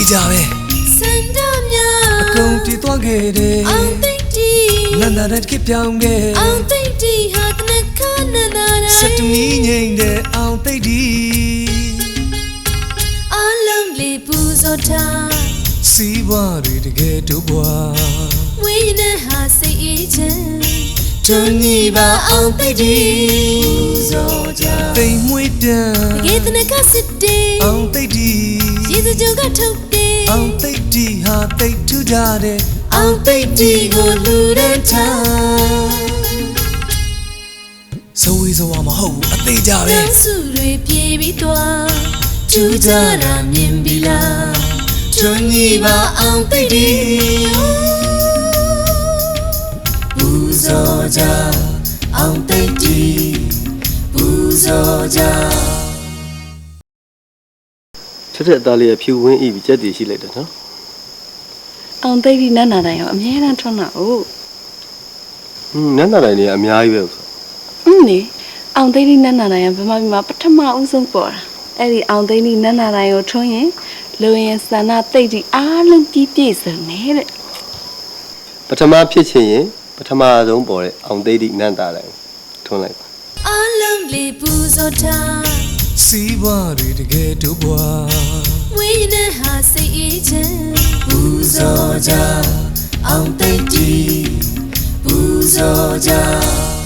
ကြပဲစန္ဒမြအကုန်တည်သွားခဲ့တယ်အောင်သိတီနန္ဒတဲ့ခေပြောင်းခဲ့အောင်သိတီဟာတနခနန္ဒရစက်တမီငိမ့်တဲ့အောင်သိတီအလုံးလေးပူဇော်ထားစီးပွားတွေတကယ်တို့ဘွားဝိညာဉ်ဟာစိတ်အေးချမ်းတွန်းညီပါအောင်သိတီပူဇော်ကြသိမ်မွေးပြန်တကယ်တနခစစ်တေအောင်သိတီရေစကြိုကထုတ်တယ်အောင်သိတီဟာသိထူးကြတဲ့အောင်သိတီကိုလူရန်ထားဇဝေဇဝါမဟုတ်ဘူးအသေးကြပဲတန်းစုတွေပြေးပြီးသွားထူးကြတာမြင်ပြီလားတွန်းညီပါအောင်သိတီပူဇော်ကြအောင်သိတီပူဇော်ကြထက်ထက်အသားလေးဖြူဝင်းဤပြီးကြက်တည်ရှိလိုက်တယ်နော်အောင်သိပြီးနန်းနာတိုင်းရောအများအားထွန်းတာဟုတ်နန်းနာတိုင်းတွေအများကြီးပဲဆိုနေအောင်သိပြီးနန်းနာတိုင်းကဗမာပြည်မှာပထမဦးဆုံးပေါ်တာအဲ့ဒီအောင်သိပြီးနန်းနာတိုင်းကိုထွန်းရင်လူရင်စန္ဒသိတိအားလုံးပြည့်ပြည့်စုံနေတဲ့ပထမဖြစ်ချင်ရင်ပထမဆုံးပေါ်တဲ့အောင်သိတိနန်းတာတိုင်းထွန်းလိုက်ပါအလုံးလေးပူဇော်ထားစီးပွားတွေတကယ်တို့ဘွားဝိညာဉ်ဟာစိတ်အေးချမ်းပူဇော်ကြအောင်သိတီပူဇော်ကြ